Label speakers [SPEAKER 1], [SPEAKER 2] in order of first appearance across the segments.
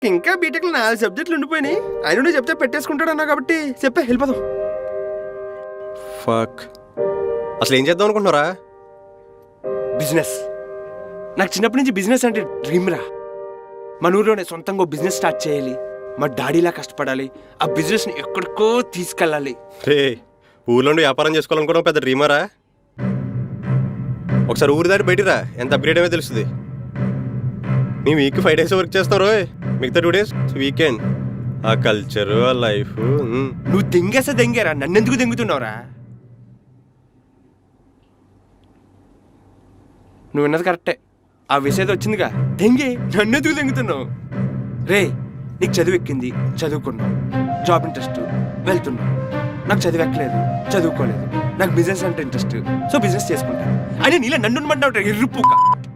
[SPEAKER 1] ఇంకా బీటెక్ లో 4 సబ్జెక్టులు ఉండిపోయినాయి. ఆయన నువ్వు చెప్తే పెట్టేసుకుంటాడు అన్నా కాబట్టి చెప్పే వెళ్ళిపోదాం.
[SPEAKER 2] ఫక్, అసలు ఏం చేద్దాం అనుకుంటున్నారా?
[SPEAKER 1] బిజినెస్. నాకు చిన్నప్పటి నుంచి బిజినెస్ అంటే డ్రీమ్ రా. మన ఊర్లోనే సొంతంగా బిజినెస్ స్టార్ట్ చేయాలి, మా డాడీలా కష్టపడాలి, ఆ బిజినెస్ని ఎక్కడికో తీసుకెళ్ళాలి.
[SPEAKER 2] రే, ఊర్లో వ్యాపారం చేసుకోవాలనుకోవడం పెద్ద డ్రీమరా? ఒకసారి ఊరి దాటి బయటిరా, ఎంత అప్గ్రేడ్ అయ్యో తెలుస్తుంది. మేము వీక్ 5 days వర్క్ చేస్తాం రోయ్, మిగతా 2 days వీకెండ్. ఆ కల్చరు, ఆ లైఫ్.
[SPEAKER 1] నువ్వు దెంగేసా దెంగేరా, నన్నెందుకు దెంగుతున్నావురా? నువ్వు విన్నది కరెక్టే, ఆ విషయం వచ్చిందిగా, దెంగే, నన్నెందుకు దెంగుతున్నావు? రే, నీకు చదువు ఎక్కింది, చదువుకున్నావు, జాబ్ ఇంట్రెస్ట్, వెళ్తున్నావు. నాకు చదువు ఎక్కలేదు, చదువుకోలేదు, నాకు బిజినెస్ అంటే ఇంట్రెస్ట్, సో బిజినెస్ చేసుకుంటా. అయినా నీలా నన్ను ఉండమంటావు ఎర్రుపుక.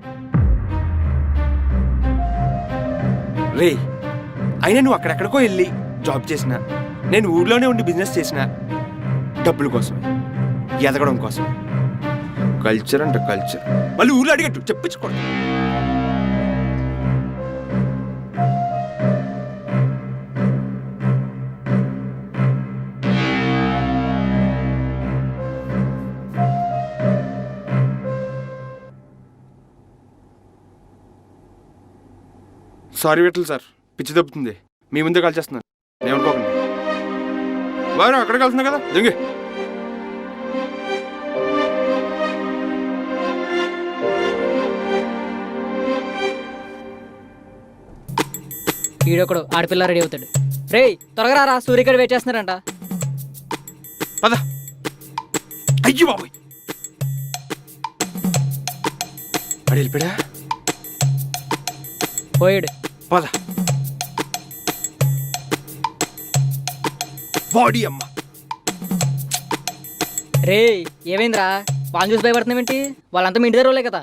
[SPEAKER 1] రే, అయినా నువ్వు అక్కడెక్కడికో వెళ్ళి జాబ్ చేసినా, నేను ఊర్లోనే ఉండి బిజినెస్ చేసిన డబ్బుల కోసమే, ఎదగడం కోసమే. కల్చర్ అంటే కల్చర్, మళ్ళీ ఊర్లో అడిగట్టు చెప్పించుకోండి. సారీ విట్టలు సార్, పిచ్చి దెబ్బతుంది. మీ ముందే కలిసేస్తున్నాను, ఏమనుకోకండి. వారు అక్కడ కలుస్తున్నా కదా, దింగే.
[SPEAKER 3] ఈడొకడు ఆడపిల్ల రెడీ అవుతాడు. రే, త్వరగా రా, సూర్యగడ వెయిట్ చేస్తున్నారంట.
[SPEAKER 1] పద. అయ్యో బాబోయ్, అడి వెళ్ళిపోయా.
[SPEAKER 3] పోయాడు.
[SPEAKER 1] పద. బాడీ అమ్మ.
[SPEAKER 3] రే, ఏమైందిరా? వాళ్ళని చూసి భయపడుతున్నావేంటి? వాళ్ళంతా మీ ఇంటి దగ్గర వాళ్ళే కదా.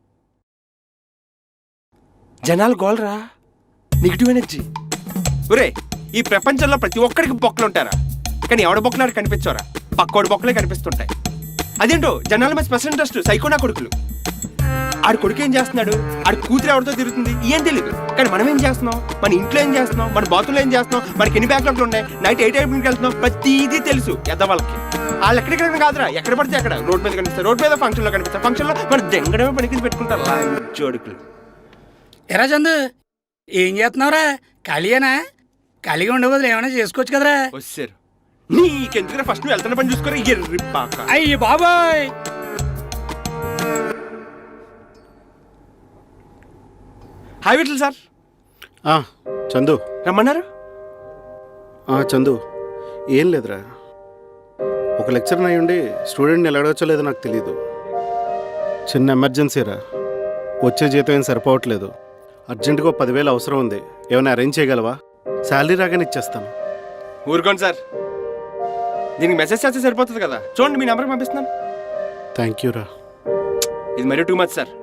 [SPEAKER 1] జనాలు గోల్రా, నెగిటివ్ ఎనర్జీ. ఒరే, ఈ ప్రపంచంలో ప్రతి ఒక్కడికి బొక్కలు ఉంటారా, కానీ ఎవడ బొక్కలాడు కనిపించోరా, పక్కోడి బొక్కలే కనిపిస్తుంటాయి. అదేంటో జనాల మీద స్పెషల్ ఇంట్రెస్ట్. సైకోనా కొడుకులు. ఆడు కొడుకు ఏం చేస్తున్నాడు, ఆడు కూతురు ఎవరితో తిరుగుతుంది ఏం తెలియదు, కానీ మనం ఏం చేస్తున్నాం, మన ఇంట్లో ఏం చేస్తున్నాం, మన బాతుల్లో ఏం చేస్తున్నాం, మనకి ఎన్ని బ్యాక్లాగ్లు ఉన్నాయి, నైట్ 8 AM వెళ్తున్నాం, ప్రతిదీ తెలుసు ఎద్దవాళ్ళకి. వాళ్ళు ఎక్కడికెక్కడ కాదురా, ఎక్కడ పడితే అక్కడ రోడ్ మీద కనిపిస్తారు, రోడ్ మీద ఫంక్షన్లో కనిపిస్తారు, ఫంక్షన్లో మన దెంగడమే పనికి పెట్టుకుంటారు జోడుకులు.
[SPEAKER 4] ఎరా చందు, ఏం చేస్తున్నావురా? ఖాళీయేనా? ఖాళీగా ఉండే బదులు ఏమైనా చేసుకోవచ్చు కదరా.
[SPEAKER 1] వచ్చారు నీకెందుకు, ఫస్ట్ నువ్వు వెళ్తున్న పని చూసుకోరా. ఎర్రిపాక.
[SPEAKER 4] అయ్యి బాబాయ్.
[SPEAKER 1] Hi Vithal sir.
[SPEAKER 5] చందు
[SPEAKER 1] రమ్మన్నారు.
[SPEAKER 5] చందు, ఏం లేదురా, ఒక లెక్చర్ అయ్యుండి స్టూడెంట్ని ఎలా అడగచ్చో లేదో నాకు తెలీదు. చిన్న ఎమర్జెన్సీరా, వచ్చే జీతం ఏం సరిపోవట్లేదు, అర్జెంటుగా 10,000 అవసరం ఉంది, ఏమైనా అరేంజ్ చేయగలవా? శాలరీ రాగానే ఇచ్చేస్తాను.
[SPEAKER 1] ఊరుకోండి సార్, దీనికి మెసేజ్ చేస్తే సరిపోతుంది కదా. చూడండి, మీ నెంబర్కి పంపిస్తున్నాను.
[SPEAKER 5] థ్యాంక్ యూ రా.
[SPEAKER 1] ఇది మరీ టూ మచ్ సార్.